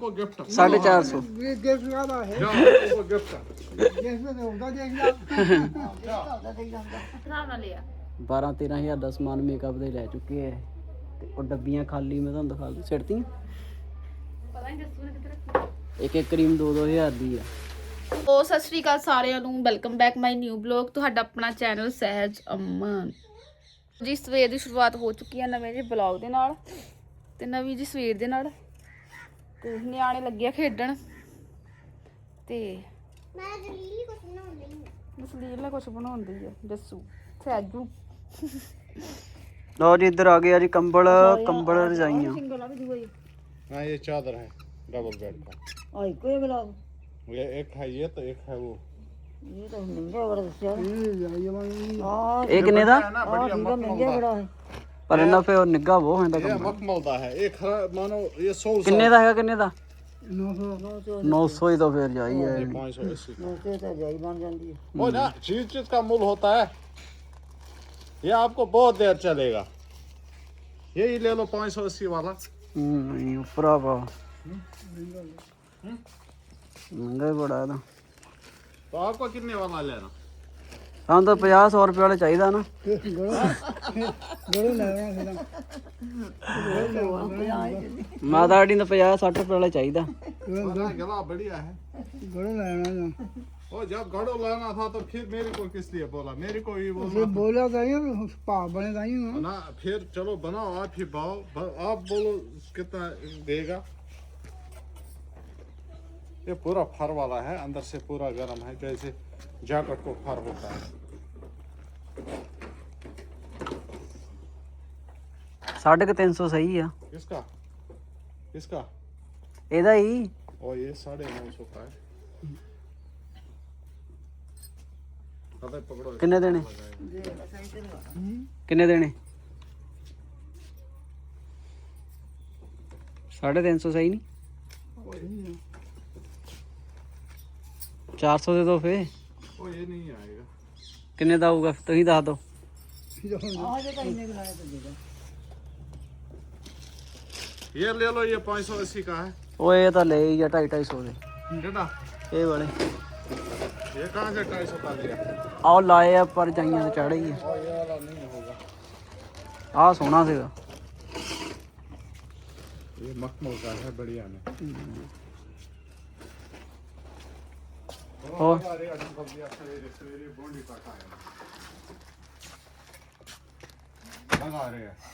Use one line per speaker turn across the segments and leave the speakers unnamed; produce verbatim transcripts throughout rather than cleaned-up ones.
को गिफ्ट
साढ़े चार सौ
गिफ्ट वाला है
जाओ अंकल को गिफ्ट
जैसे तो होगा देख लो
बारह तेरह हज़ार ਦਾ ਸਮਾਨ ਮੇਕਅਪ ਦੇ ਲੈ ਚੁੱਕੇ ਐ ਤੇ ਉਹ ਡੱਬੀਆਂ ਖਾਲੀ ਮੈਂ ਤੁਹਾਨੂੰ ਦਿਖਾ ਦੂੰ ਸਿੱਟਤੀਆਂ ਪਤਾ ਨਹੀਂ ਜੱਸੂ ਨੇ ਕਿੱਥੇ ਰੱਖੀ ਇੱਕ ਇੱਕ ਕਰੀਮ ਦੋ ਦੋ ਹਜ਼ਾਰ ਦੀ ਆ।
ਓ ਸਤਿ ਸ਼੍ਰੀ ਅਕਾਲ ਸਾਰਿਆਂ ਨੂੰ, welcome back my new blog, ਤੁਹਾਡਾ ਆਪਣਾ ਚੈਨਲ ਸਹਿਜ ਅਮਨ ਜੀ। ਸਵੇਰ ਦੀ ਸ਼ੁਰੂਆਤ ਹੋ ਚੁੱਕੀ ਹੈ ਨਵੇਂ ਜਿਹੇ ਬਲੌਗ ਦੇ ਨਾਲ ਤੇ ਨਵੀਂ ਜੀ ਸਵੇਰ ਦੇ ਨਾਲ ਤੇ ਨਿਆਣੇ ਲੱਗੇ ਆ ਖੇਡਣ ਤੇ
ਮੈਂ ਜਲੀਲੀ ਕੁਝ ਬਣਾਉਣ ਲਈ
ਜਸਲੀਲ ਨੇ ਕੁਝ ਬਣਾਉਂਦੀ ਹੈ ਜੱਸੂ ਸਹਿਜੂ।
ਲਓ ਜੀ ਇੱਧਰ ਆ ਗਿਆ ਜੀ ਕੰਬਲ ਕੰਬਲ ਰਜਾਈਆਂ।
हाँ ये चादर है डबल बेड का
और कोई ब्लॉग
ये एक है ये तो एक है वो
ये तो महंगा बड़ा दसिया हां
ਇਹ ਕਿੰਨੇ ਦਾ
है ना बढ़िया
महंगा बड़ा है
ਪਰ ਇਹਨਾਂ ਫੇ ਉਹ ਨਿੱਘਾ ਬਹੁਤ ਹੁੰਦਾ
ये
ਕੰਬਲ।
मखमल दा है एक खरा- मानो ये सौ
ਕਿੰਨੇ ਦਾ ਹੈਗਾ ਕਿੰਨੇ ਦਾ
नौ सौ
नौ सौ ही तो फिर जाइए
पाँच सौ अस्सी
नौ सौ तो जाई बन जाती है
वो ना चीज चीज का मूल होता है। ये आपको बहुत देर चलेगा, यही ले लो पाँच सौ अस्सी वाला।
नहीं ऊपर पा महंगा ही बड़ा है ना।
तो आपको कितने वाला लेना?
हम तो पचास सौ रुपये वाले चाहिए ना।
गड़ो लेना है
माता आड़ी ने पचास सठ रुपये वाला चाहिए।
बड़ा गला बढ़िया है।
गड़ो लेना है
ओ जब घड़ो लाना था तो फिर मेरे को किस लिए बोला? मेरे को ही
ये
बोला
बोला था ये पा बने था ये
ना। फिर चलो बनाओ आप ही भाव, आप बोलो कितना देगा। ये पूरा फर वाला है, अंदर से पूरा गर्म है, जैसे जैकेट को फर होता है।
साढ़े के तीन सौ सही है
किसका किसका?
एदा ही।
और ये साढ़े नौ सौ का है। पता है, पकड़ो।
किन्ने देने किन्ने देने साढ़े तीन सौ सही नहीं चार सौ दे दो फिर।
ओ ये नहीं आएगा।
किन्ने दा होगा तुम ही दस दो।
ये ले लो, ये पाँच सौ अस्सी का है।
वो ये तो ले ही ढाई ढाई सौ दे
बेटा
ये बड़े
ये कहाँ से ढाई सौ का लिया?
आओ लाए आ पर जाइया तो चढ़े ही
और ये वाला नहीं होगा।
आ सोना सीगा
ये मखमल का है, बढ़िया में।
और
अरे अंकल जी सवेरे सवेरे बोंडी काटा है, लगा रहे हैं।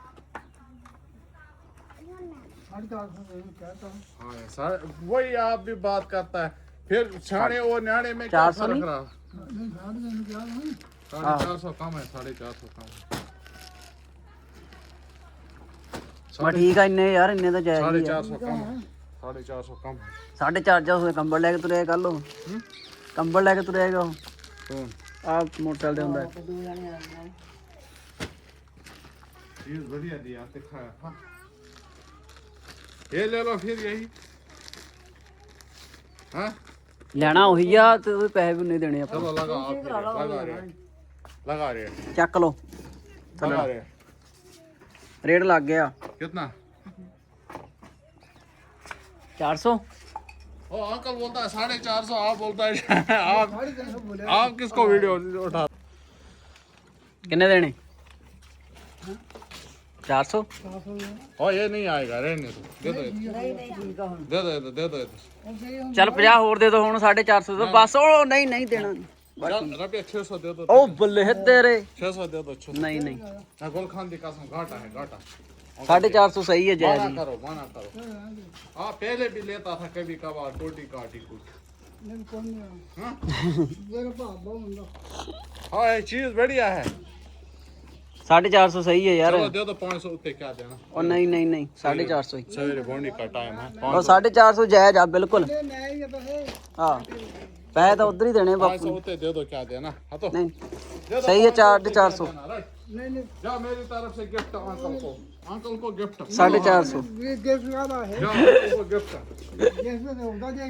हाँ सर वही आप भी बात करता है, फिर छाने और न्याणे में क्या
चार सौ
फर्क
नहीं?
रहा? साढ़े चार सौ कम है, साढ़े चार सौ कम है।
मैं ठीक है इन्ने यार इन्ने तो जायज
साढ़े
ही है।
चार सौ कम है, साढ़े चार सौ कम है।
साढ़े चार सौ से कंबल लेके तुरे कल लो कंबल लेके तुरेगा
कौन
आप मोटरसाइकिल दे हुंदा है।
चीज बढ़िया दिया दिखाया था। ये ले लो फिर यही। हाँ
लेना वही आ ते ओदे पैसे भी नहीं देने
चलो लगा आप फिर, लगा रहे हैं, लगा रहे हैं,
चक लो
लगा रहे हैं।
रेट लग गया
कितना?
चार सौ।
ओ अंकल बोलता है साढ़े चार सौ, आप बोलता है आप आप किसको वीडियो उठा?
किन्ने देने चार सौ।
ओ ये नहीं आएगा, रहने दो, दे दो ये। दे दो ये तो, दे दो ये तो।
चल पचास होर दे दो हुण साढ़े चार सौ तो बस ओ नहीं नहीं देना
चल, रुपये छह सौ दे दो।
ओ बल्ले तेरे
छह सौ दे दो, छह सौ।
नहीं नहीं
ना गोलखान दी कसम, घाटा है घाटा।
साढ़े चार सौ सही है जायज
माना
ही।
करो माना करो। हाँ पहले भी लेता था कभी कभार टोटी काटी कुछ। हाँ? हाँ ये चीज बढ़िया है।
साढ़े चार सौ सही है यार।
चलो दे दो पाँच सौ रुपये, क्या देना?
और नहीं नहीं नहीं साढ़े चार सौ ही
सवेरे बोनी का टाइम है।
और साढ़े चार सौ जायज आ बिल्कुल। हाँ पैसे तो उधर ही देने
पाँच
बापू
सौ रुपये दे दो, क्या देना? हाँ तो
नहीं
दे दो,
सही है
पाँच सौ
चार
रुपये
चार
क्या
सौ
देना, राइट? जाओ मेरी तरफ से गिफ्ट अंकल को, अंकल को गिफ्ट
साढ़े चार सौ।
गिफ्ट वाला है
जाओ अंकल को गिफ्ट।
जैसे तो होगा देख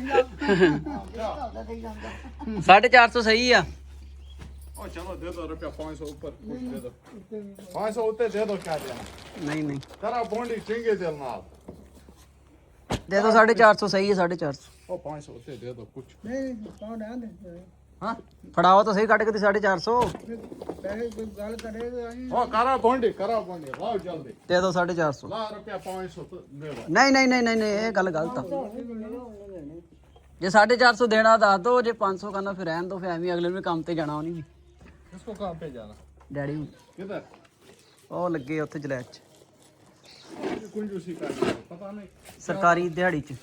लो
साढ़े चार सौ सही है।
ओ चलो दे दो रुपया पाँच सौ ऊपर कुछ दे दो, पाँच सौ उत्ते दे दो, क्या देना?
नहीं नहीं
जरा बोंडी चिंगे दिल नाल।
ਦੇ ਦੋ ਸਾਢੇ ਚਾਰ ਸੌ ਸਹੀ ਹੈ ਸਾਢੇ ਚਾਰ ਸੌ
ओ पाँच सौ होते दे दो कुछ
ਨਹੀਂ ਕੌਣ ਆ ਦੇ
हाँ
ਫੜਾਓ ਤਾਂ ਸਹੀ ਕੱਢ ਕੇ ਤੇ ਸਾਢੇ ਚਾਰ ਸੌ
ਪੈਸੇ ਕੋਈ ਗੱਲ ਕਰੇਗਾ ਅਸੀਂ
ओ करा बोंडी करा बोंडी लाओ जल्दी
ਦੇ ਦੋ ਸਾਢੇ ਚਾਰ ਸੌ
ला रुपया पाँच सौ तो दे दो
ਨਹੀਂ ਨਹੀਂ ਨਹੀਂ ਨਹੀਂ ਨਹੀਂ, ਇਹ ਗੱਲ ਗਲਤ ਆ ਜੇ ਸਾਢੇ ਚਾਰ ਸੌ ਦੇਣਾ ਦੱਸ ਦੋ ਜੇ ਪੰਜ ਸੌ ਕਰਨਾ ਫਿਰ ਰਹਿਣ ਦੋ ਫਿਰ ਐਵੇਂ ਅਗਲੇ ਨੂੰ ਵੀ ਕੰਮ ਤੇ ਜਾਣਾ ਉਹਨੇ ਵੀ
इसको कहाँ पे जाना
ਡੈਡੀ ਨੂੰ।
किधर
ਉਹ ਲੱਗੇ ਉੱਥੇ ਜਲੈਤ ਚ
कुंजूसी का पता नहीं
ਸਰਕਾਰੀ ਦਿਹਾੜੀ ਚ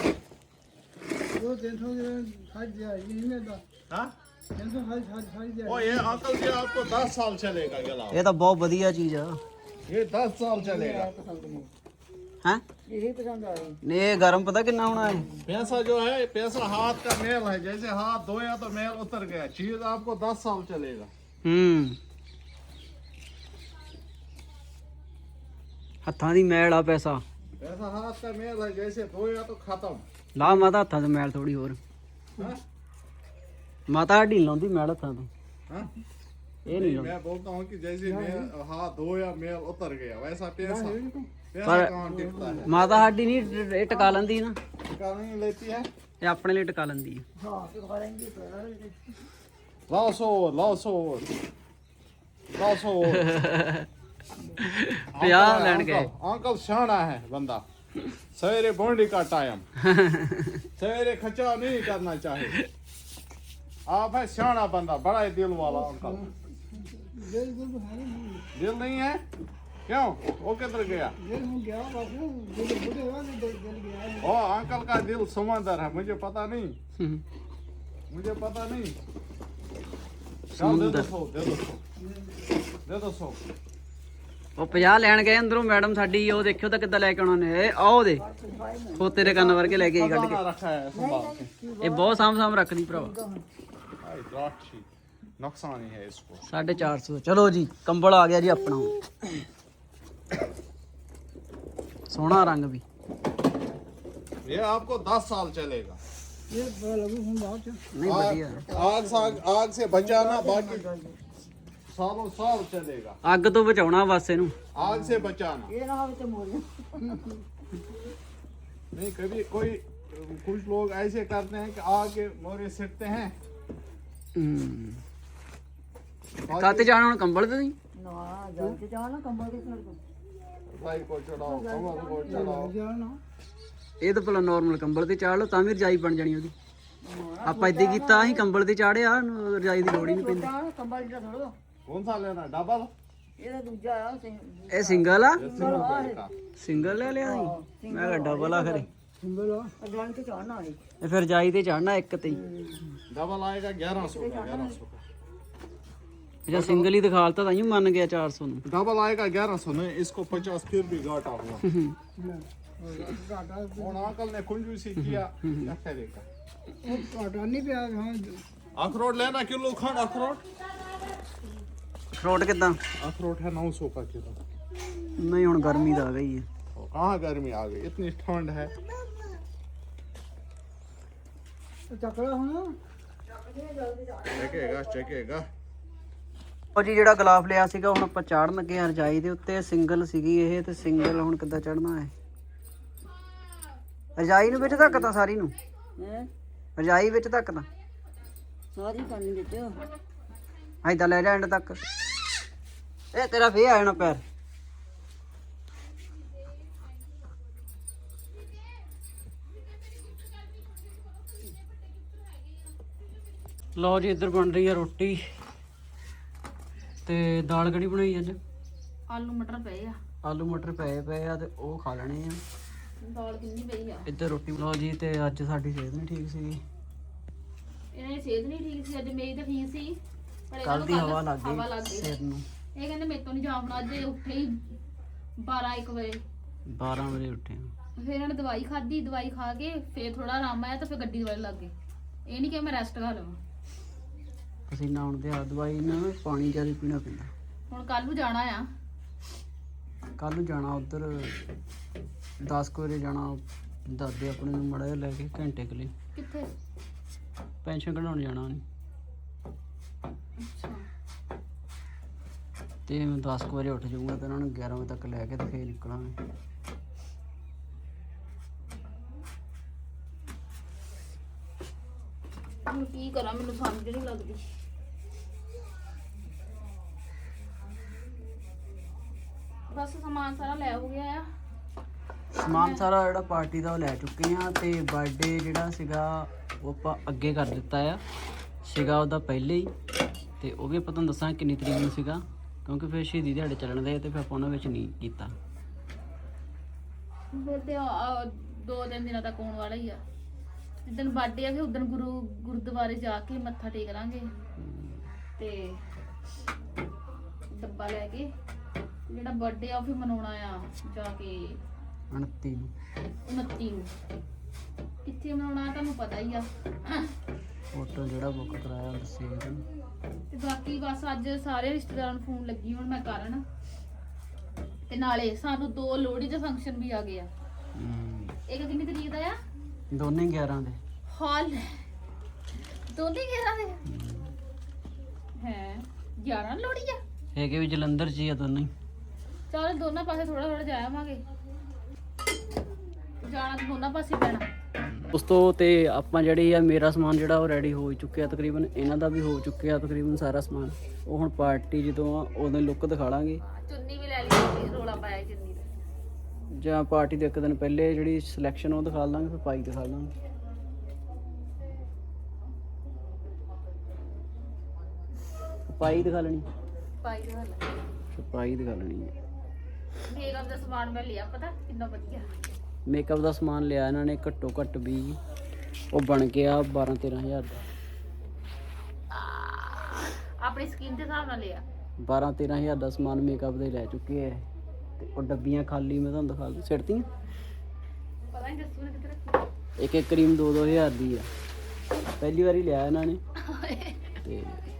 ਉਹ ਤਿੰਨ ਸੌ ਦੇ ਸਾਜ ਦਿਆ ਇਹ ਨੇ ਦਾ
हाँ
ਤਿੰਨ ਸੌ ਸਾਜ ਸਾਜ ਸਾਜ ਦਿਆ
ओ ये अंकल जी आपको दस साल चलेगा गला
ਇਹ ਤਾਂ ਬਹੁਤ ਵਧੀਆ ਚੀਜ਼ ਆ
ये दस साल चलेगा
ਹੈ
ਇਹ ਪਸੰਦ ਆ ਰਹੀ
ਨੇ ਇਹ ਗਰਮ ਪਤਾ ਕਿੰਨਾ ਹੋਣਾ ਹੈ
पैसा जो है पैसा हाथ का मेल है जैसे हाथ धोया तो मेल उतर गया चीज आपको दस साल चलेगा
ਹੂੰ ਹੱਥਾਂ ਦੀ ਮੈਲ ਆ ਪੈਸਾ
पैसा हाथ का मेल है जैसे धोया तो खत्म
ਲਾ ਮਾਤਾ ਹੱਥਾਂ ਤੋਂ ਮੈਲ ਥੋੜੀ ਹੋਰ
हाँ?
ਮਾਤਾ ਹੱਡੀ ਨੀ ਲਾਉਂਦੀ ਮੈਲ ਹੱਥਾਂ ਤੋਂ
हाँ?
ਇਹ ਨਹੀਂ ਲਾਉਂਦੀ
मैं बोलता हूँ कि जैसे मेल हाथ धोया मेल उतर गया वैसा पैसा पैसा
पर-
कहाँ टिकता है
ਮਾਤਾ ਹੱਡੀ ਨਹੀਂ ਇਹ ਟਿਕਾ ਲੈਂਦੀ ਨਾ
टिका नहीं लेती है
ਇਹ ਆਪਣੇ ਲਈ ਟਿਕਾ ਲੈਂਦੀ ਹੈ
ਹਾਂ ਤੇ ਖਾ ਲੈਂਦੀ ਪਰ
लाओ सो लाओ सो लाओ सो
ਪੰਜਾਹ ਲੈਣ ਗਏ
अंकल शाना है बंदा सवेरे बोंडी का टाइम सवेरे खचा नहीं करना चाहिए आप है शाना बंदा बड़ा ही दिल वाला अंकल
ਦਿਲ ਗੁਲ ਬਹਾਰੀ ਨਹੀਂ
दिल नहीं है क्यों वो किधर गया
ਦਿਲ ਹੋ ਗਿਆ ਬਸ ਦਿਲ ਬੁੱਢੇ ਹੋ ਗਏ ਦਿਲ ਦਿਲ ਗਿਆ
ओ अंकल का दिल समंदर है मुझे पता नहीं मुझे पता नहीं चल दे दो सौ दे दो सौ दे दो सौ
ਉਹ ਪੰਜਾਹ ਲੈਣ ਗਏ ਅੰਦਰੋਂ ਮੈਡਮ ਸਾਡੀ ਉਹ ਦੇਖਿਓ ਤਾਂ ਕਿੱਦਾਂ ਲੈ ਕੇ ਆਉਣਾ ਨੇ ਇਹ ਆਹ ਦੇ ਉਹ ਤੇਰੇ ਕੰਨ ਵਰਗੇ ਲੈ ਕੇ ਆਈ ਕੱਢ
खजाना रखा है संभाल के
ਕੇ ਇਹ ਬਹੁਤ ਸਾਂਭ ਸਾਂਭ ਰੱਖਦੀ ਭਰਾਵਾ
भाई राक्षी नुकसान ही है इसको
ਸਾਢੇ ਚਾਰ ਸੌ ਚਲੋ ਜੀ ਕੰਬਲ ਆ ਗਿਆ ਜੀ ਆਪਣਾ ਸੋਹਣਾ ਰੰਗ ਵੀ
ये आपको दस साल चलेगा
ਇਹ ਬੜਾ ਲੱਗੂ ਹੁਣ ਬਾਅਦ ਚ
ਨਹੀਂ ਵਧੀਆ
आग साग आग से बचाना बाकी सालों साल चलेगा
ਅੱਗ ਤੋਂ ਬਚਾਉਣਾ ਬਸ ਇਹਨੂੰ
आग से बचाना
ਇਹ ਨਾ ਹੋਵੇ ਤੇ ਮੋਰ
नहीं कभी कोई कुछ लोग ऐसे करते हैं कि आग के मोरे सिटते हैं
ਹੂੰ ਕਾਤੇ ਜਾਣਾ ਹੁਣ ਕੰਬਲ ਤੇ ਨਹੀਂ
ਨਾ ਜਲ ਤੇ ਜਾਣਾ ਕੰਬਲ ਦੇ ਸੜ ਤੋਂ
भाई को चढ़ाओ कमर को चढ़ाओ
ਜਾਣਾ
ਇਹ ਤਾਂ ਭਲਾ ਨਾਰਮਲ ਕੰਬਲ ਤੇ ਚਾੜ ਲਓ ਤਾਂ ਵੀ ਰਜਾਈ ਬਣ ਜਾਣੀ ਉਹਦੀ ਆਪਾਂ ਏਦਾਂ ਹੀ ਕੀਤਾ ਅਸੀਂ ਕੰਬਲ ਤੇ ਚਾੜਿਆ ਰਜਾਈ ਦੀ ਲੋੜ ਹੀ ਨਹੀਂ ਪੈਂਦੀ
ਜਾਣਾ ਕੰਬਲ ਦਾ ਥੋੜਾ
कौन सा लेना डबल
ਇਹਦਾ ਦੂਜਾ ਆ
ਇਹ ਸਿੰਗਲ ਆ
सिंगल का
ਸਿੰਗਲ ਲੈ ਲਿਆ ਸੀ ਮੈਂ ਕਿਹਾ ਡਬਲ ਆ ਖਰੇ
ਸਿੰਗਲ ਆ ਜਲ ਤੇ ਚੜਨਾ ਹੈ
ਇਹ ਫਿਰ ਰਜਾਈ ਤੇ ਚੜਨਾ ਇੱਕ ਤੇ ਹੀ
डबल आएगा ग्यारह सौ का ग्यारह सौ का
ਜੇ ਸਿੰਗਲ ਹੀ ਦਿਖਾਲਤਾ ਤਾਂ ਹੀ ਮੰਨ ਗਿਆ ਚਾਰ ਸੌ ਨੂੰ
डबल आएगा ग्यारह सौ नहीं इसको पचास फिर भी घाटा हुआ
ਘਾਟਾ
और अंकल ने कुंजूसी किया क्या करेगा
ਉਹ ਘਾਟਾ ਨਹੀਂ ਪਿਆ ਹਾਂ
अखरोट लेना किलो खंड अखरोट
ਅਖਰੋਟ ਕਿਦਾਂ
अखरोट है नौ सौ का किलो
ਨਹੀਂ ਹੁਣ ਗਰਮੀ ਦਾ ਆ ਗਈ ਹੈ
और कहाँ गर्मी आ गई इतनी ठंड है
ਚੱਕੜਾ ਹੁਣ
चकेगा चकेगा
ਉਹ ਜੀ ਜਿਹੜਾ ਗਲਾਫ ਲਿਆ ਸੀਗਾ ਹੁਣ ਆਪਾਂ ਚਾੜਨ ਲੱਗੇ ਹਾਂ ਰਜਾਈ ਦੇ ਉੱਤੇ ਸਿੰਗਲ ਸੀਗੀ ਇਹ ਤੇ ਸਿੰਗਲ ਹੁਣ ਕਿੱਦਾਂ ਚੜਨਾ ਹੈ ਰਜਾਈ ਨੂੰ ਵਿੱਚ ਧੱਕਦਾ ਸਾਰੀ ਨੂੰ
ਹੈ
ਰਜਾਈ ਵਿੱਚ ਧੱਕਦਾ
ਸਾਰੀ ਕਰਨੀ ਵਿੱਚ
ਐਦਾਂ ਲੈ ਜਾ ਐਂਡ ਤੱਕ ਇਹ ਤੇਰਾ ਫੇਰ ਆ ਜਾਣਾ ਪੈਰ ਲਓ ਜੀ ਇੱਧਰ ਬਣ ਰਹੀ ਆ ਰੋਟੀ ਤੇ ਦਾਲ ਕੜੀ ਬਣਾਈ ਅੱਜ
ਆਲੂ ਮਟਰ ਪਏ ਆ
ਆਲੂ ਮਟਰ ਪਏ ਪਏ ਆ ਤੇ ਉਹ ਖਾ ਲੈਣੇ ਆ
ਦਾਲ ਕਿੰਨੀ ਪਈ ਆ
ਇੱਧਰ ਰੋਟੀ ਲਓ ਜੀ ਤੇ ਅੱਜ ਸਾਡੀ ਸਿਹਤ ਨਹੀਂ ਠੀਕ ਸੀ
ਇਹਨਾਂ ਦੀ ਸਿਹਤ ਨਹੀਂ ਠੀਕ ਸੀ ਅੱਜ ਮੇਰੀ ਤਾਂ ਠੀਕ ਸੀ ਪਰ ਇਹਨਾਂ
ਕੱਲ
ਨੂੰ
ਦੀ
ਕੱਲ੍ਹ
ਹਵਾ ਲੱਗ
ਹਵਾ ਲੱਗ
ਗਈ
ਗਈ
ਸਿਹਤ ਨੂੰ
ਇਹ ਕਹਿੰਦੇ ਮੇਰੇ ਤੋਂ ਨਹੀਂ ਜਾਮਣਾ ਅੱਜ ਇਹ ਉੱਠੇ ਹੀ ਬਾਰਾਂ ਇੱਕ ਵਜੇ
ਬਾਰਾਂ ਵਜੇ ਉੱਠੇ ਆ।
ਫਿਰ ਇਹਨਾਂ ਨੇ ਦਵਾਈ ਖਾਧੀ ਦਵਾਈ ਖਾ ਕੇ ਫਿਰ ਥੋੜਾ ਆਰਾਮ ਆਇਆ ਤਾਂ ਫਿਰ ਗੱਡੀ ਦੁਆਲੇ ਲੱਗ ਗਏ ਇਹ ਨਹੀਂ ਕਿ ਮੈਂ ਰੈਸਟ ਕਰ ਲਵਾਂ
ਪਸੀਨਾ ਆਉਣ ਤੇ ਆ ਦਵਾਈ ਨਾਲ ਪਾਣੀ ਜ਼ਿਆਦਾ ਪੀਣਾ ਪੈਂਦਾ
ਹੁਣ ਕੱਲ ਨੂੰ ਜਾਣਾ ਆ
ਕੱਲ ਨੂੰ ਜਾਣਾ ਉਧਰ ਦਸ ਕੁ ਵਜੇ ਜਾਣਾ ਦਾਦੇ ਆਪਣੇ ਨੂੰ ਮੜਾ ਜਿਹਾ ਲੈ ਕੇ ਘੰਟੇ ਕੁ ਲਈ
ਕਿੱਥੇ
ਪੈਨਸ਼ਨ ਕਢਾਉਣ ਜਾਣਾ ਉਹਨੇ
ਅੱਛਾ
ਤੇ ਮੈਂ ਦਸ ਕੁ ਵਜੇ ਉੱਠ ਜਾਊਂਗਾ ਤੇ ਉਹਨਾਂ ਨੂੰ ਗਿਆਰਾਂ ਵਜੇ ਤੱਕ ਲੈ ਕੇ ਤੇ ਫੇਰ ਨਿਕਲਾਂਗੇ
ਹੁਣ ਕੀ ਕਰਾਂ ਮੈਨੂੰ ਸਮਝ ਨਹੀਂ ਲੱਗਦੀ। ਬਸ ਸਮਾਨ ਸਾਰਾ ਲੈ ਹੋ ਗਿਆ ਆ।
ਸਮਾਨ ਸਾਰਾ ਜਿਹੜਾ ਪਾਰਟੀ ਦਾ ਉਹ ਲੈ ਚੁੱਕੇ ਆ ਤੇ ਬਰਥਡੇ ਜਿਹੜਾ ਸੀਗਾ ਉਹ ਆਪਾਂ ਅੱਗੇ ਕਰ ਦਿੱਤਾ ਆ। ਸੀਗਾ ਉਹਦਾ ਪਹਿਲੇ ਹੀ ਤੇ ਉਹ ਵੀ ਆਪਾਂ ਤੁਹਾਨੂੰ ਦੱਸਾਂਗੇ ਕਿੰਨੀ ਤਰੀਕ ਨੂੰ ਸੀਗਾ, ਕਿਉਂਕਿ ਫਿਰ ਸ਼ਹੀਦੀ ਦਿਹਾੜੇ ਚੱਲਣ ਦੇ ਤੇ ਫਿਰ ਆਪਾਂ ਉਹਨਾਂ ਵਿੱਚ ਨਹੀਂ ਕੀਤਾ।
ਫਿਰ ਤੇ ਆ- ਦੋ ਤਿੰਨ ਦਿਨਾਂ ਤੱਕ ਆਉਣ ਵਾਲਾ ਹੀ ਆ। ਜਿੱਦਣ ਬਰਥਡੇ ਆ ਫਿਰ ਉਦੋਂ ਗੁਰੂ ਗੁਰਦੁਆਰੇ ਜਾ ਕੇ ਮੱਥਾ ਟੇਕ ਲਾਂਗੇ ਤੇ ਡੱਬਾ ਲੈ ਕੇ ਜਿਹੜਾ ਬਰਥਡੇ ਆ ਉਹ ਫਿਰ ਮਨਾਉਣਾ ਆ ਜਾ ਕੇ
ਉਨੱਤੀ ਨੂੰ
ਉਨੱਤੀ ਨੂੰ। ਕਿੱਥੇ ਮਨਾਉਣਾ ਤੁਹਾਨੂੰ ਪਤਾ ਹੀ ਆ।
ਹੋਟਲ ਜਿਹੜਾ ਬੁੱਕ ਕਰਾਇਆ ਦੱਸੇ
ਤੇ ਬਾਕੀ ਬਸ ਅੱਜ ਸਾਰੇ ਰਿਸ਼ਤੇਦਾਰਾਂ ਨੂੰ ਫੋਨ ਲੱਗੀ ਹੁਣ ਮੈਂ ਕਰਨ, ਤੇ ਨਾਲੇ ਸਾਨੂੰ ਦੋ ਲੋਹੜੀ ਦੇ ਫੰਕਸ਼ਨ ਵੀ ਆ ਗਏ ਆ। ਇੱਕ ਕਿੰਨੀ ਤਰੀਕ ਦਾ ਆ?
ਦੋਨੇ ਗਿਆਰਾਂ ਦੇ।
ਹਾਲ ਦੋਨੇ ਗਿਆਰਾਂ ਦੇ ਹੈ। ਗਿਆਰਾਂ ਲੋਹੜੀ ਆ
ਹੈਗੇ ਵੀ ਜਲੰਧਰ 'ਚ ਹੀ ਆ ਦੋਨੇ ਹੀ।
ਚਲ ਦੋਨਾਂ ਪਾਸੇ ਥੋੜਾ ਥੋੜਾ ਜਾਵਾਂਗੇ, ਜਾਣਾ ਤਾਂ ਦੋਨਾਂ ਪਾਸੇ ਪੈਣਾ।
ਉਸ ਤੋਂ ਤੇ ਆਪਾਂ ਜਿਹੜੀ ਆ ਮੇਰਾ ਸਮਾਨ ਜਿਹੜਾ ਉਹ ਰੈਡੀ ਹੋ ਚੁੱਕਿਆ ਤਕਰੀਬਨ, ਇਹਨਾਂ ਦਾ ਵੀ ਹੋ ਚੁੱਕਿਆ ਤਕਰੀਬਨ ਸਾਰਾ ਸਮਾਨ। ਉਹ ਹੁਣ ਪਾਰਟੀ ਜਦੋਂ ਆ ਉਦੋਂ ਲੁੱਕ ਦਿਖਾ ਲਾਂਗੇ,
ਚੁੰਨੀ ਵੀ ਲੈ ਲਈ, ਰੋਲਾ ਪਾਇਆ ਚੁੰਨੀ ਦਾ।
ਜਾਂ ਪਾਰਟੀ ਦੇ ਇੱਕ ਦਿਨ ਪਹਿਲੇ ਜਿਹੜੀ ਸਿਲੈਕਸ਼ਨ ਉਹ ਦਿਖਾ ਲਾਂਗੇ, ਫਿਰ ਪਾਈ ਦਿਖਾ ਲਾਂਗੇ। ਪਾਈ ਦਿਖਾ ਲੈਣੀ,
ਪਾਈ ਦੇ ਹੱਲ
ਪਾਈ ਦਿਖਾ ਲੈਣੀ ਹੈ।
ਮੇਕਅਪ ਦਾ ਸਮਾਨ ਮੈਂ ਲਿਆ, ਪਤਾ ਕਿੰਨਾ ਵਧੀਆ।
ਮੇਕਅਪ ਦਾ ਸਮਾਨ ਲਿਆ ਇਹਨਾਂ ਨੇ ਘੱਟੋ ਘੱਟ ਵੀ ਉਹ ਬਣ ਗਿਆ ਬਾਰਾਂ ਤੇਰਾਂ ਹਜ਼ਾਰ ਦਾ।
ਆਪਣੀ ਸਕਿਨ ਦੇ ਹਿਸਾਬ ਨਾਲ ਲਿਆ।
ਬਾਰਾਂ ਤੇਰਾਂ ਹਜ਼ਾਰ ਦਾ ਸਮਾਨ ਮੇਕਅਪ ਦੇ ਲੈ ਚੁੱਕੇ ਆ ਤੇ ਉਹ ਡੱਬੀਆਂ ਖਾਲੀ ਮੈਂ ਤੁਹਾਨੂੰ ਦਿਖਾ ਦੂੰ ਸਿੱਟਤੀਆਂ।
ਪਤਾ ਨਹੀਂ ਜੱਸੂ ਨੇ ਕਿੱਥੇ ਰੱਖੀ।
ਇੱਕ ਇੱਕ ਕਰੀਮ ਦੋ ਦੋ ਹਜ਼ਾਰ ਦੀ ਆ। ਪਹਿਲੀ ਵਾਰੀ ਲਿਆ ਇਹਨਾਂ ਨੇ ਤੇ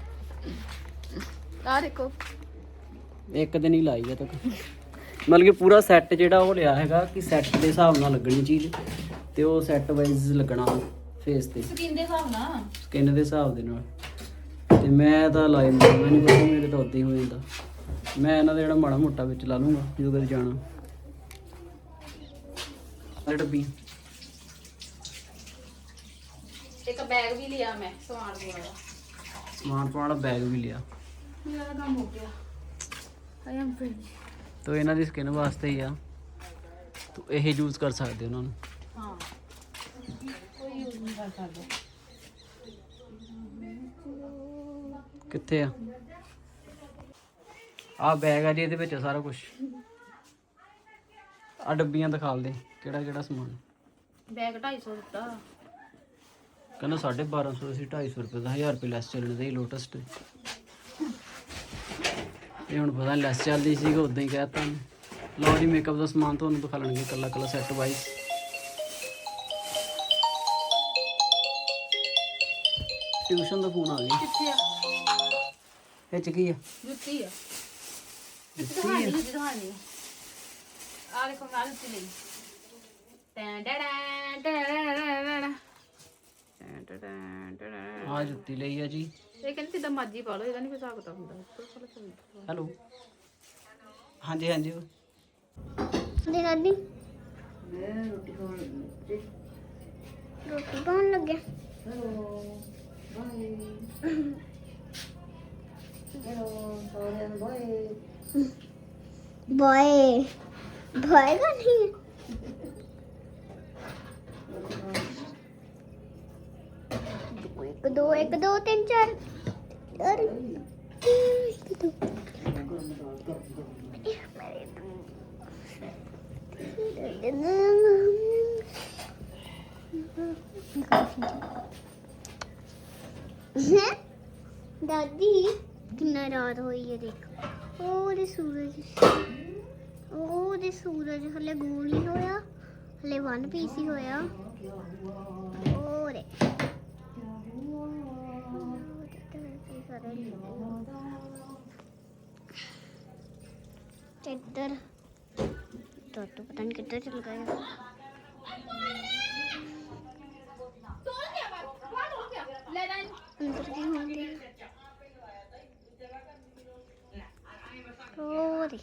ਆ ਦੇਖੋ
ਇੱਕ ਦਿਨ ਹੀ ਲਾਈ ਆ ਤੱਕ। ਮਤਲਬ ਕਿ ਪੂਰਾ ਸੈੱਟ ਜਿਹੜਾ ਉਹ ਲਿਆ ਹੈਗਾ ਕਿ ਸੈੱਟ ਦੇ ਹਿਸਾਬ ਨਾਲ ਲੱਗਣੀ ਚੀਜ਼, ਤੇ ਉਹ ਸੈੱਟ ਵਾਈਜ਼ ਲੱਗਣਾ ਫੇਸ ਤੇ,
ਸਕਿਨ ਦੇ ਹਿਸਾਬ ਨਾਲ।
ਸਕਿਨ ਦੇ ਹਿਸਾਬ ਦੇ ਨਾਲ। ਤੇ ਮੈਂ ਤਾਂ ਲਾਈ ਮੈਨੂੰ ਨਹੀਂ ਪਤਾ, ਮੇਰੇ ਤਾਂ ਉੱਦਾਂ ਹੀ ਹੋ ਜਾਂਦਾ। ਮੈਂ ਇਹਨਾਂ ਦਾ ਜਿਹੜਾ ਮਾੜਾ ਮੋਟਾ ਵਿੱਚ ਲਾ ਲੂੰਗਾ ਜਦੋਂ ਕਦੇ ਜਾਣਾ। ਇਹ ਡੱਬੀ
ਇੱਕ ਬੈਗ ਵੀ ਲਿਆ ਮੈਂ ਸਮਾਨ ਵਾਲਾ।
ਸਮਾਨ ਪਾਉਣ ਵਾਲਾ ਬੈਗ ਵੀ ਲਿਆ।
ਮੇਰਾ ਤਾਂ ਕੰਮ ਹੋ ਗਿਆ। I am free.
ਤੋ ਇਹਨਾਂ ਦੀ ਸਕਿਨ ਵਾਸਤੇ ਹੀ ਆ, ਤੋ ਇਹ ਯੂਜ਼ ਕਰ ਸਕਦੇ ਉਹਨਾਂ ਨੂੰ।
ਹਾਂ ਕੋਈ ਯੂਜ਼ ਨਹੀਂ ਕਰ ਸਕਦਾ।
ਕਿੱਥੇ ਆ ਆ ਬੈਗ ਆ ਜੀ, ਇਹਦੇ ਵਿੱਚ ਸਾਰਾ ਕੁਝ। ਆ ਡੱਬੀਆਂ ਦਿਖਾ ਦੇ ਕਿਹੜਾ ਕਿਹੜਾ ਸਮਾਨ।
ਬੈਗ ਢਾਈ ਸੌ ਦਿੱਤਾ।
ਕਹਿੰਦਾ ਸਾਢੇ ਬਾਰਾਂ ਸੌ ਸੀ, ਢਾਈ ਸੌ ਰੁਪਏ ਦਾ, ਹਜ਼ਾਰ ਰੁਪਏ ਲੈਸ ਚੱਲਣ ਦੇ ਲੋਟਸ ਤੇ। ਇਹ ਹੁਣ ਪਤਾ ਲੈਸ ਚੱਲਦੀ ਸੀ, ਉਦਾਂ ਹੀ ਕਹਿਤਾ। ਲਓ ਜੀ ਮੇਕਅਪ ਦਾ ਸਮਾਨ ਤੁਹਾਨੂੰ ਦਿਖਾ ਲੈਣਗੇ ਇਕੱਲਾ ਇਕੱਲਾ ਸੈੱਟ ਵਾਈਜ਼। ਟਿਊਸ਼ਨ ਦਾ ਫੋਨ ਆ ਗਿਆ।
ਕਿੱਥੇ ਆ?
ਇਹ ਚ ਕੀ ਆ?
ਜੁੱਤੀ ਆ। ਜੁੱਤੀ ਦਿਖਾਣੀ ਜੁੱਤੀ ਦਿਖਾਣੀ ਆ ਦੇਖੋ ਮੈਂ ਜੁੱਤੀ ਲਈ। ਟੈਂ ਟੈਂ ਟੈਂ ਟੈਂ।
ਆ ਜੁੱਤੀ ਲਈ ਆ ਜੀ।
ਇਹ ਕਹਿੰਦੇ ਜਿੱਦਾਂ ਮਰਜ਼ੀ ਪਾ ਲਓ, ਇਹਦਾ ਨਹੀਂ ਕੋਈ ਹਿਸਾਬ ਕਿਤਾਬ ਹੁੰਦਾ।
ਹੈਲੋ ਹਾਂਜੀ ਹਾਂਜੀ
ਦੇ ਦਾਦੀ ਰੋਟੀ ਪਾਉਣ ਲੱਗਿਆ। ਬਾਏ ਬਾਏ ਕਾ ਨਹੀਂ ਇੱਕ ਦੋ ਇੱਕ ਦੋ ਤਿੰਨ ਚਾਰ ਚਾਰ ਇੱਕ ਦੋ ਦਾਦੀ ਕਿੰਨਾ ਰਾਤ ਹੋਈ ਹੈ ਦੇਖ। ਉਹਦੇ ਸੂਰਜ ਉਹਦੇ ਸੂਰਜ ਹਲੇ ਗੋਲ ਹੀ ਹੋਇਆ, ਹਲੇ ਵਨ ਪੀਸ ਹੀ ਹੋਇਆ। ਉਹਦੇ ਇੱਧਰ ਟੋਟੂ ਪਤਾ ਨਹੀਂ ਕਿੱਧਰ ਚਲ ਗਿਆ। ਅੰਦਰ ਕੀ ਹੁੰਦੀ ਹੋਰੀ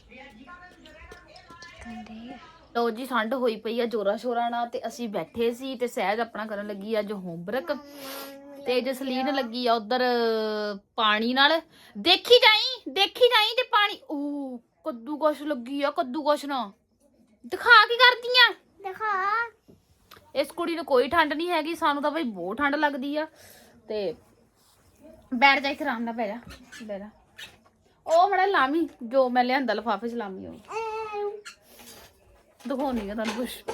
ਕੰਦੇ।
ਲੋ ਜੀ ਠੰਡ ਹੋਈ ਪਈ ਆ ਜੋਰਾ ਸ਼ੋਰਾ ਨਾਲ, ਤੇ ਅਸੀਂ ਬੈਠੇ ਸੀ ਤੇ ਸਹਿਜ ਆਪਣਾ ਕਰਨ ਲੱਗੀ ਅੱਜ ਹੋਮਵਰਕ। ਤੇ ਜਸਲੀਨ ਲੱਗੀ ਆ ਉਧਰ ਪਾਣੀ ਨਾਲ। ਦੇਖੀ ਜਾਈ ਦੇਖੀ ਜਾਈ ਤੇ ਪਾਣੀ ਉਹ ਕੱਦੂ ਕੁਛ ਲੱਗੀ ਆ ਕੱਦੂ ਕੁਛ ਨਾ ਦਿਖਾ ਕੀ ਕਰਦੀਆਂ
ਦਿਖਾ
ਇਸ ਕੁੜੀ ਨੂੰ ਕੋਈ ਠੰਡ ਨਹੀਂ ਹੈਗੀ ਸਾਨੂੰ ਤਾਂ ਬਈ ਬਹੁਤ ਠੰਡ ਲੱਗਦੀ ਆ। ਤੇ ਬੈਠ ਜਾ ਇੱਥੇ ਆਰਾਮ ਨਾਲ ਪੈ ਜਾ ਬਹਿ ਜਾ ਉਹ ਮੜਾ ਲਾਮੀ ਜੋ ਮੈਂ ਲਿਆਂਦਾ ਲਿਫਾਫੇ ਚ ਲਾਮੀ ਉਹ ਦਿਖਾਉਣੀ ਆ ਤੁਹਾਨੂੰ ਕੁਛ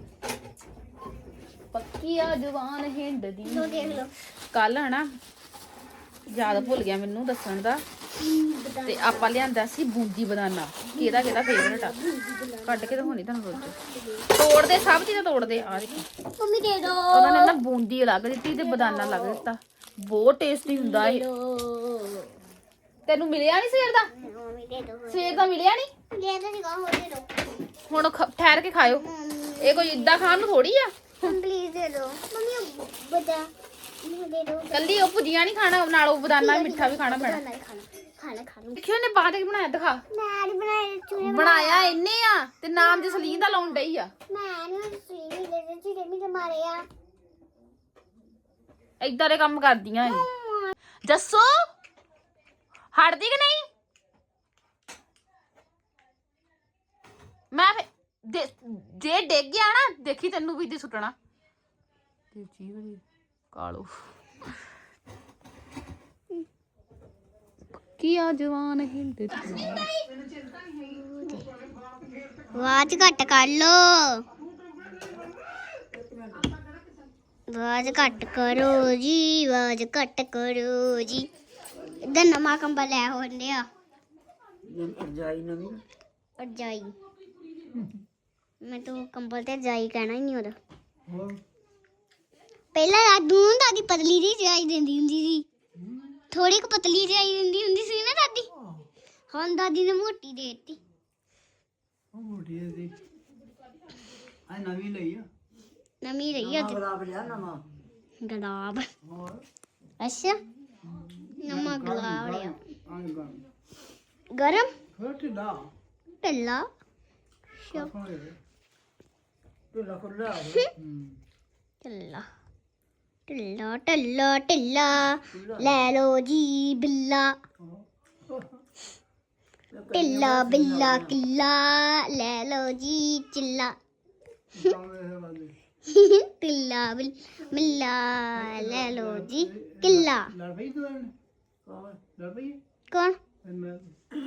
ਪੱਕੀ ਆ ਜਵਾਨ ਹਿੰਦ ਦੀ
ਲੋ ਦੇਖ ਲੋ
ਕੱਲ ਹਨਾ ਯਾਦ ਭੁੱਲ ਗਿਆ ਮੈਨੂੰ ਦੱਸਣ ਦਾ ਤੇ ਆਪਾਂ ਲਿਆਂਦਾ ਸੀ ਬੂੰਦੀ ਬਦਾਨਾ ਕਿਹਦਾ ਕਿਹਦਾ ਫੇਵਰਟ ਆ ਕੱਢ ਕੇ ਦਿਖਾਉਣੀ ਤੁਹਾਨੂੰ ਰੋਜ਼ ਤੋੜਦੇ ਸਭ ਚੀਜ਼ਾਂ ਤੋੜਦੇ ਆ ਦੇਖੋ
ਮੰਮੀ ਦੇ ਦੋ
ਉਹਨਾਂ ਨੇ ਨਾ ਬੂੰਦੀ ਅਲੱਗ ਦਿੱਤੀ ਤੇ ਬਦਾਨਾ ਅਲੱਗ ਦਿੱਤਾ ਬਹੁਤ ਟੇਸਟੀ ਹੁੰਦਾ ਇਹ ਤੈਨੂੰ ਮਿਲਿਆ ਨਹੀਂ ਸਵੇਰ ਦਾ
ਮੰਮੀ ਦੇ ਦੋ
ਸਵੇਰ ਦਾ ਮਿਲਿਆ ਨਹੀਂ
ਲੈ ਦੋ ਨਿਕਾਹ ਹੋ ਦੇ ਦੋ
ਹੁਣ ਖ- ਠਹਿਰ ਕੇ ਖਾਇਓ ਇਹ ਕੋਈ ਇਦਾਂ ਖਾਣ ਨੂੰ ਥੋੜੀ ਆ
ਪਲੀਜ਼ ਦੇ ਦੋ ਮੰਮੀ ਬਤਾ ਮੈਨੂੰ ਦੇ ਦੋ
ਕੱਲੀ ਉਹ ਭੁਜੀਆ ਨਹੀਂ ਖਾਣਾ ਨਾਲ ਉਹ ਬਦਾਨਾ ਵੀ ਮਿੱਠਾ ਵੀ ਖਾਣਾ ਪੈਣਾ
ਖਾਣਾ ਖਾਣਾ ਖਾਣਾ
ਦੇਖਿਓ ਨੇ ਬਾਅਦ ਵਿੱਚ ਬਣਾਇਆ ਦਿਖਾ
ਮੈਂ ਨਹੀਂ ਬਣਾਏ ਚੂਰੇ
ਬਣਾਇਆ ਇੰਨੇ ਆ ਤੇ ਨਾਮ ਜਸਲੀਨ ਦਾ ਲਾਉਣ ਡਈ ਆ
ਮੈਂ ਨਹੀਂ ਸੂਈ ਦੇ ਦੇ ਚੂਰੇ ਮੀ ਤੇ ਮਾਰੇ ਆ
ਏਦਾਂ ਦੇ ਕੰਮ ਕਰਦੀਆਂ ਇਹ ਜੱਸੂ ਹਟਦੀ ਕਿ ਨਹੀਂ ਮੈਂ ਫੇ- ਦੇ- ਜੇ ਡਿੱਗ ਗਿਆ ਨਾ ਦੇਖੀ ਤੈਨੂੰ ਵੀ ਦੀ ਸੁੱਟਣਾ ਤੇ ਜੀਵ ਕਾਲੋ ਕੀ ਆ ਜਵਾਨ ਹਿੰਦ ਦੀ
ਆਵਾਜ਼ ਘੱਟ ਕਰ ਲੋ ਆਵਾਜ਼ ਘੱਟ ਕਰੋ ਜੀ ਆਵਾਜ਼ ਘੱਟ ਕਰੋ ਜੀ ਇਧਰ ਨਵਾਂ ਕੰਬਲ ਲੈ ਹੁੰਦੇ ਆ
ਰਜਾਈ ਨਵੀਂ
ਰਜਾਈ ਮੈਂ ਤਾਂ ਕੰਬਲ ਤੇ ਰਜਾਈ ਕਹਿਣਾ ਹੀ ਨਹੀਂ ਉਹਦਾ ਪਹਿਲਾਂ ਦਾਦੂ ਦਾਦੀ ਪਤਲੀ ਜਿਹੀ ਰਜਾਈ ਦਿੰਦੀ ਹੁੰਦੀ ਸੀ ਥੋੜੀ ਕੁ ਪਤਲੀ ਰਜਾਈ ਦਿੰਦੀ ਹੁੰਦੀ ਸੀ ਨਾ ਦਾਦੀ ਹੁਣ ਦਾਦੀ ਨੇ ਮੋਟੀ ਦੇ ਦਿੱਤੀ
ਉਹ ਮੋਟੀ ਦੀ ਆ ਨਵੀਂ ਲਈ ਆ
ਨਵੀਂ ਰਹੀ ਆ
ਗੁਲਾਬ ਲਿਆ ਨਵਾਂ
ਗੁਲਾਬ
ਹੋਰ
ਅੱਛਾ ਨਵਾਂ ਗੁਲਾਬ ਲਿਆ
ਆਂ ਗਾਂ
ਗਰਮ
ਹੋਰ ਢਿੱਲਾ
ਢਿੱਲਾ
ਹੋਏ
ਢਿੱਲਾ ਖੁੱਲਾ
ਹੂੰ
ਢਿੱਲਾ ਢਿੱਲਾ ਢਿੱਲਾ ਢਿੱਲਾ ਲੈ ਲੋ ਜੀ ਬਿੱਲਾ ਢਿੱਲਾ ਬਿੱਲਾ ਕਿੱਲਾ ਲੈ ਲੋ ਜੀ ਚਿੱਲਾ
ਕਾਵੇਂ ਵਾਲੇ
ਢਿੱਲਾ ਬਿੱਲ ਮਿੱਲਾ ਲੈ ਲੋ ਜੀ ਕਿੱਲਾ
ਲੜ ਪਈ ਤੂੰ ਇਹਨੇ ਲੜ ਪਈ
ਕੌਣ
ਮੈਂ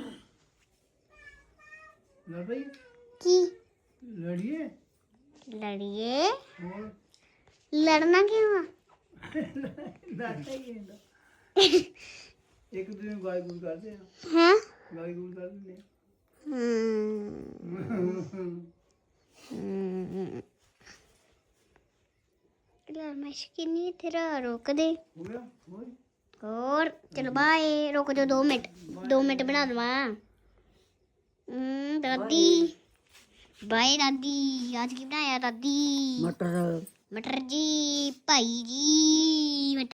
ਲੜ ਪਈ
ਕੀ
ਲੜੀਏ
ਲੜੀਏ
ਹੋਰ
ਲੜਨਾ ਕਿਉਂ ਆ
ਲੜ ਪਈ ਇਹਦਾ ਇੱਕ ਦੂਜੇ ਨੂੰ ਗਾਇ ਗੁਲ ਕਰਦੇ ਆ
ਹਾਂ
ਗਾਇ ਗੁਲ ਕਰ ਦਿੰਦੇ ਆ
ਹਮ ਯਾਰ ਮੈਂ ਸ਼ਕਿਨੀ ਤੇਰਾ ਰੋਕ ਦੇ
ਹੋ ਗਿਆ ਹੋਰ
ਹੋਰ ਚਲ ਬਾਏ ਰੁਕ ਜਾ ਦੋ ਮਿੰਟ ਦੋ ਮਿੰਟ ਬਣਾ ਦਵਾਂ ਹਮ ਦਾਦੀ ਬਾਏ ਦਾਦੀ ਅੱਜ ਕੀ ਬਣਾਇਆ ਦਾਦੀ
ਮਟਰ
ਮਟਰ ਜੀ ਭਾਈ ਜੀ